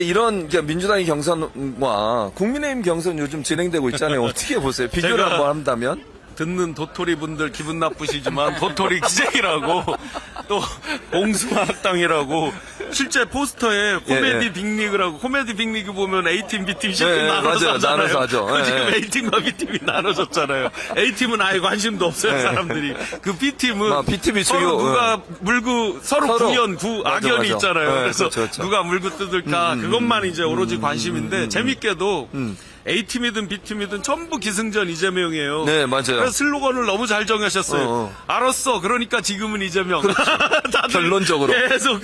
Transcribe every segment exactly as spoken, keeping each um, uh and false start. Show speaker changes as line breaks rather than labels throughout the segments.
이런 민주당의 경선과 국민의힘 경선 요즘 진행되고 있잖아요. 어떻게 보세요? 비교를 한번 한다면?
듣는 도토리 분들 기분 나쁘시지만 도토리 기쟁이라고 또 봉숭아학당이라고 실제 포스터에 코미디
예, 예.
빅리그라고 코미디 빅리그 보면 A팀, B팀, C팀
예, 예,
나눠서
맞아요.
하잖아요.
나눠서 하죠. 예,
지금
예.
A팀과 B팀이 나눠졌잖아요. A팀은 아예 관심도 없어요,
예.
사람들이. 그 B팀은
아, B팀이
서로
주요,
누가 물고 서로,
서로.
구연, 구,
맞아,
악연이
맞아.
있잖아요.
예,
그래서
그렇죠, 그렇죠.
누가 물고 뜯을까 그것만 이제 오로지 관심인데 재밌게도
음.
A팀이든 B팀이든 전부 기승전 이재명이에요.
네, 맞아요.
그래서 슬로건을 너무 잘 정하셨어요.
어, 어.
알았어. 그러니까 지금은 이재명. 다들
결론적으로.
계속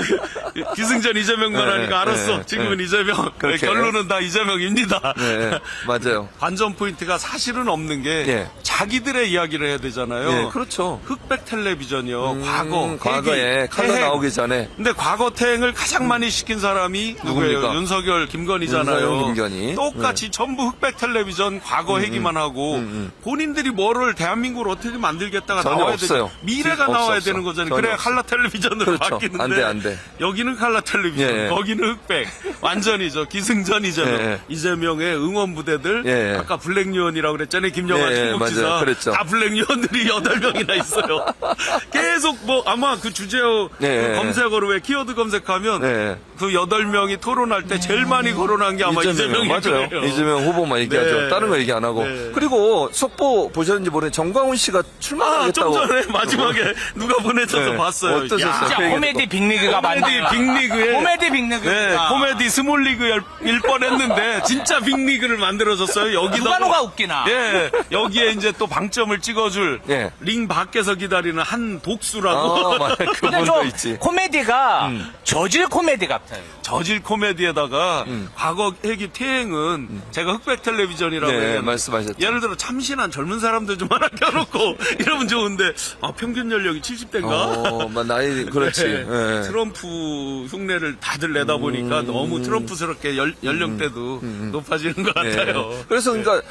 기승전 이재명만
네,
하니까 알았어.
네,
지금은
네.
이재명.
그렇게.
결론은 다 이재명입니다.
네, 맞아요.
관전 포인트가 사실은 없는 게
예.
자기들의 이야기를 해야 되잖아요.
네, 그렇죠.
흑백 텔레비전이요.
음,
과거,
과거에
회기,
칼로
태행.
나오기 전에.
근데 과거 태행을 가장 많이 시킨 사람이 누구예요?
누굽니까?
윤석열, 김건희잖아요.
윤석열, 김건희.
똑같이 전부 흑백 텔레비전 과거 얘기만 하고
음,
본인들이 뭐를 대한민국을 어떻게 만들겠다가
전혀
나와야
없어요.
되죠. 미래가
없어,
나와야
없어.
되는 거잖아요.
전혀
그래야
없어.
칼라 텔레비전으로
그렇죠.
바뀌는데
안 돼, 안 돼.
여기는 칼라 텔레비전,
예, 예.
거기는 흑백. 완전히죠. 기승전 이재명.
예, 예.
이재명의 응원 부대들.
예, 예.
아까 블랙유언이라고 그랬잖아요. 김영환
예, 예,
중국지사.
맞아요. 그랬죠.
다 블랙유언들이 여덟 명이나 있어요. 계속 뭐 아마 그 주제어
예,
그
예.
검색어로 왜 키워드 검색하면
예.
그 여덟 명이 토론할 때 제일 많이 거론한 게 아마
이재명,
이재명일
맞아요.
거예요.
이재명 후보만 얘기하죠.
네.
다른 거 얘기 안 하고.
네.
그리고 속보 보셨는지 모르겠는데 정광훈 씨가
아, 좀
출마하겠다고.
전에 마지막에 누가 보내줘서
네.
봤어요.
어떠셨어요?
야,
진짜
그 얘기
코미디 빅리그가
코미디
맞나?
빅리그에
코미디 빅리그가
네, 코미디 스몰리그일 뻔했는데 진짜 빅리그를 만들어졌어요. 여기도
누가 누가 웃기나?
예, 여기에 이제 또 방점을 찍어줄
예.
링 밖에서 기다리는 한 독수라고
아, 맞아요.
근데
그분도
좀
있지.
코미디가 저질 코미디 같아요.
저질 코미디에다가 과거 회기 태행은 제가 흑백 텔레비전이라고
네,
얘기했는데
말씀하셨죠.
예를 들어 참신한 젊은 사람들 좀 하나 껴놓고 이러면 좋은데 아, 평균 연령이 칠십 대인가?
어, 막 나이, 그렇지.
네.
예.
트럼프 흉내를 다들 내다 보니까 너무 트럼프스럽게 연, 연령대도 높아지는 것
예.
같아요.
그래서 그러니까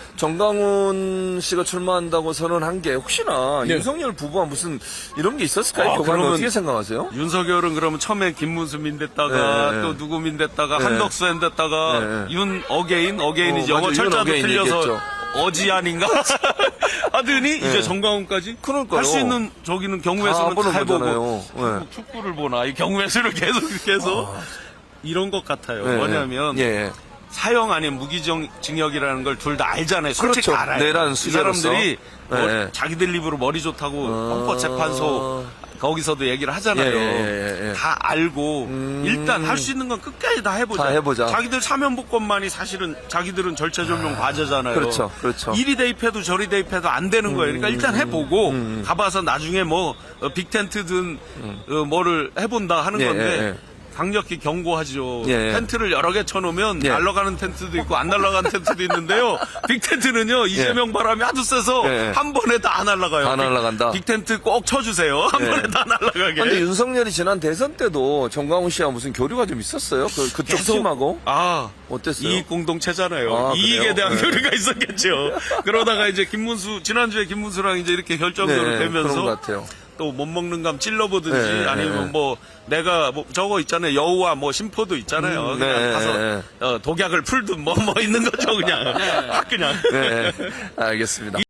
정강훈 씨가 출마한다고 선언한 게 혹시나
네.
윤석열 부부와 무슨 이런 게 있었을까요?
아,
교관은
그러면-
어떻게 생각하세요?
윤석열은 그러면 처음에 김문수 민댔다가
네.
또 누구 민댔다가
네.
한덕수 민댔다가
네.
윤 어게인 어게인이
어,
영어
맞아, 윤
철자도
어게인
틀려서
얘기했죠.
어지안인가 하더니 이제 정강훈까지
그러니까요.
할 수 있는 저기는
다
경우에서는
보는
다 해보고
거잖아요. 네.
축구를 보나 이 경우에서를 계속 계속 이런 것 같아요.
네.
뭐냐면
예.
사형 아닌 무기징역이라는 걸 둘 다 알잖아요. 솔직히
그렇죠.
알아요.
내란
이
수재로서.
사람들이
네.
뭐 자기들 입으로 머리 좋다고
어.
헌법재판소 거기서도 얘기를 하잖아요.
예, 예, 예, 예.
다 알고 일단 할 수 있는 건 끝까지 다 해보자.
다 해보자.
자기들 사면복권만이 사실은 자기들은 절차 조명 과제잖아요.
그렇죠, 그렇죠.
이리 대입해도 저리 대입해도 안 되는 거예요. 그러니까 일단 해보고 가봐서 나중에 뭐 어, 빅텐트든 어, 뭐를 해본다 하는
예,
건데
예, 예.
강력히 경고하죠.
예.
텐트를 여러 개 쳐놓으면
예.
날아가는 텐트도 있고 안 날아가는 텐트도 있는데요. 빅텐트는요 이재명 바람이 아주 세서
예.
한 번에 다 안 날아가요.
다 날아간다.
빅텐트 꼭 쳐주세요. 한
예.
번에 다 날아가게.
근데 윤석열이 지난 대선 때도 정광훈 씨와 무슨 교류가 좀 있었어요? 그, 그쪽
계속-
팀하고?
아
어땠어요?
이익 공동체잖아요.
아,
이익에
그래요?
대한
네.
교류가 있었겠죠. 그러다가 이제 김문수 지난주에 김문수랑 이제 이렇게 결정적으로
네,
되면서
그런 것 같아요.
또 못 먹는 감 찔러보든지
네,
아니면
네.
뭐 내가 뭐 저거 있잖아요. 여우와 뭐 심포도 있잖아요.
음,
그냥
네,
가서
네.
어, 독약을 풀든 뭐 뭐 있는 거죠 그냥. 확 그냥.
네, 알겠습니다.